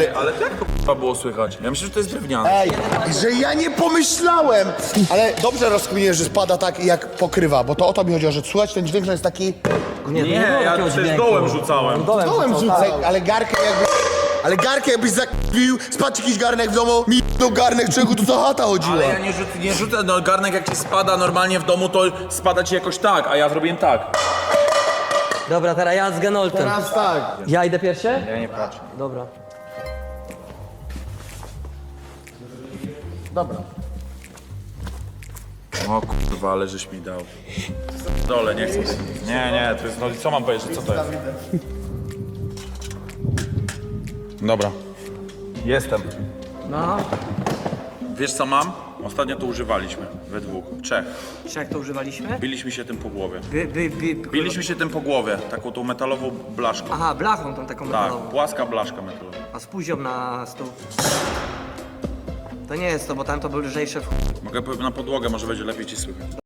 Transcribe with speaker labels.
Speaker 1: Ale jak to k***a było słychać? Ja myślę, że to jest drewniane.
Speaker 2: Ej, że ja nie pomyślałem! Ale dobrze rozkminię, że spada tak jak pokrywa, bo to o to mi chodziło, że słuchać ten dźwięk, że jest taki...
Speaker 3: Nie,
Speaker 1: Nie, ja też dołem rzucałem.
Speaker 2: Dołem rzucę, ale garkę jakby... Ale garkę jakbyś zakpił, spadł jakiś garnek w domu, mi do garnek, czego tu za chata chodziła.
Speaker 1: Ale ja nie rzucę, no garnek jak ci spada normalnie w domu, to spada ci jakoś tak, a ja zrobiłem tak.
Speaker 3: Dobra, teraz ja z Genoltem.
Speaker 2: Teraz tak.
Speaker 3: Ja idę pierwszy?
Speaker 1: Ja nie patrzę.
Speaker 3: Dobra.
Speaker 2: Dobra.
Speaker 1: O kurwa, ale żeś mi dał. Dole, nie chcę. Nie, to jest, no co mam powiedzieć, co to jest? Dobra. Jestem.
Speaker 3: No.
Speaker 1: Wiesz co mam? Ostatnio to używaliśmy, we dwóch, trzech.
Speaker 3: Czy jak to używaliśmy?
Speaker 1: Biliśmy się tym po głowie. Biliśmy się tym po głowie, taką tą metalową blaszką.
Speaker 3: Aha, blachą tą taką
Speaker 1: Tak,
Speaker 3: metalową.
Speaker 1: płaska blaszka metalowa.
Speaker 3: A z puzią na stół. To nie jest to, bo tam to był lżejsze w
Speaker 1: Mogę na podłogę, może będzie lepiej ci słychać.